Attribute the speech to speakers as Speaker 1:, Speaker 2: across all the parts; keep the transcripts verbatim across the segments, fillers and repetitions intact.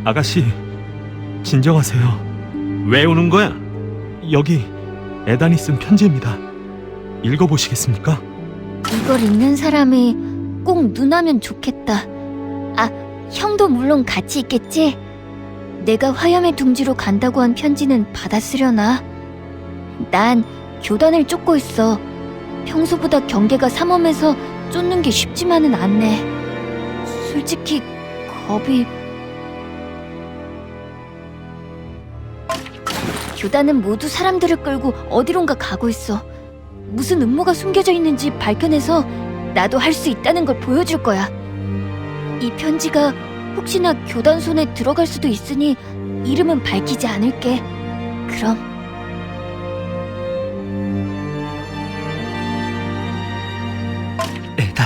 Speaker 1: 아가씨, 진정하세요.
Speaker 2: 왜 우는 거야?
Speaker 1: 여기 에단이 쓴 편지입니다. 읽어보시겠습니까?
Speaker 3: 이걸 읽는 사람이 꼭 누나면 좋겠다. 아, 형도 물론 같이 있겠지? 내가 화염의 둥지로 간다고 한 편지는 받았으려나? 난 교단을 쫓고 있어. 평소보다 경계가 삼엄해서 쫓는 게 쉽지만은 않네. 솔직히 겁이... 교단은 모두 사람들을 끌고 어디론가 가고 있어. 무슨 음모가 숨겨져 있는지 밝혀내서 나도 할 수 있다는 걸 보여줄 거야. 이 편지가 혹시나 교단 손에 들어갈 수도 있으니 이름은 밝히지 않을게. 그럼.
Speaker 1: 에단.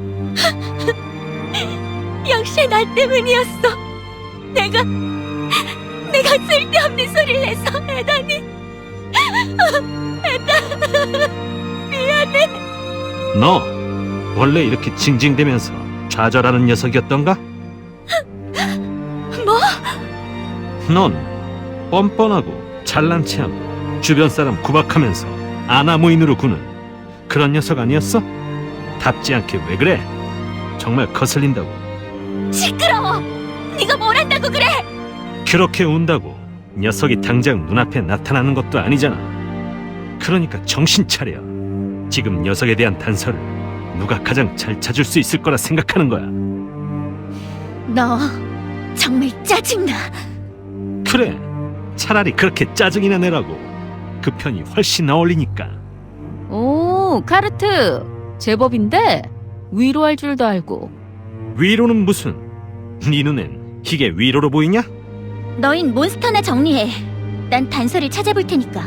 Speaker 3: 역시 나 때문이었어. 내가 내가 쓸데없는 소리를 해서 에단이 에단 미안해.
Speaker 2: 너 원래 이렇게 징징대면서 좌절하는 녀석이었던가?
Speaker 3: 뭐?
Speaker 2: 넌 뻔뻔하고 잘난 체하고 주변 사람 구박하면서 아나무인으로 구는 그런 녀석 아니었어? 답지 않게 왜 그래? 정말 거슬린다고.
Speaker 3: 시끄러워. 네가 뭘 한다고 그래?
Speaker 2: 그렇게 운다고 녀석이 당장 눈앞에 나타나는 것도 아니잖아. 그러니까 정신 차려. 지금 녀석에 대한 단서를 누가 가장 잘 찾을 수 있을 거라 생각하는 거야.
Speaker 3: 너 정말 짜증나.
Speaker 2: 그래, 차라리 그렇게 짜증이나 내라고. 그 편이 훨씬 어울리니까.
Speaker 4: 오, 카르트. 제법인데 위로할 줄도 알고.
Speaker 2: 위로는 무슨? 네 눈엔 이게 위로로 보이냐?
Speaker 3: 너흰 몬스터나 정리해. 난 단서를 찾아볼 테니까.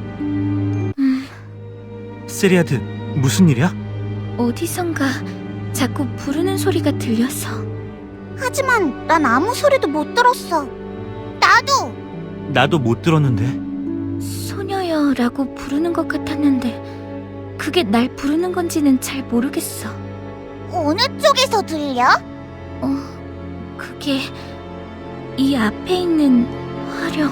Speaker 1: 세리아드, 무슨 일이야?
Speaker 3: 어디선가 자꾸 부르는 소리가 들려서.
Speaker 5: 하지만 난 아무 소리도 못 들었어. 나도!
Speaker 1: 나도 못 들었는데.
Speaker 3: 소녀여라고 부르는 것 같았는데 그게 날 부르는 건지는 잘 모르겠어.
Speaker 5: 어느 쪽에서 들려?
Speaker 3: 어, 그게 이 앞에 있는 화령.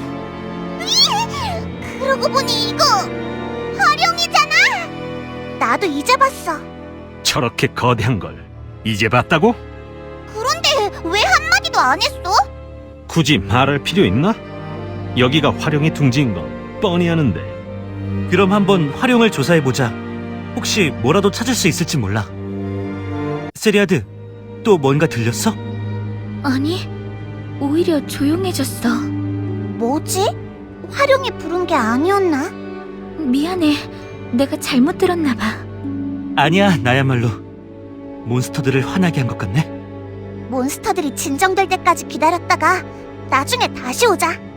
Speaker 5: 그러고 보니 이거 화룡이잖아! 나도 이제 봤어.
Speaker 2: 저렇게 거대한 걸 이제 봤다고?
Speaker 5: 그런데 왜 한마디도 안 했어?
Speaker 2: 굳이 말할 필요 있나? 여기가 화룡의 둥지인 건 뻔히 아는데.
Speaker 1: 그럼 한번 활용을 조사해보자. 혹시 뭐라도 찾을 수 있을지 몰라. 세리아드, 또 뭔가 들렸어?
Speaker 3: 아니, 오히려 조용해졌어.
Speaker 5: 뭐지? 화룡이 부른 게 아니었나?
Speaker 3: 미안해, 내가 잘못 들었나 봐.
Speaker 1: 아니야, 나야말로. 몬스터들을 화나게 한 것 같네.
Speaker 5: 몬스터들이 진정될 때까지 기다렸다가 나중에 다시 오자.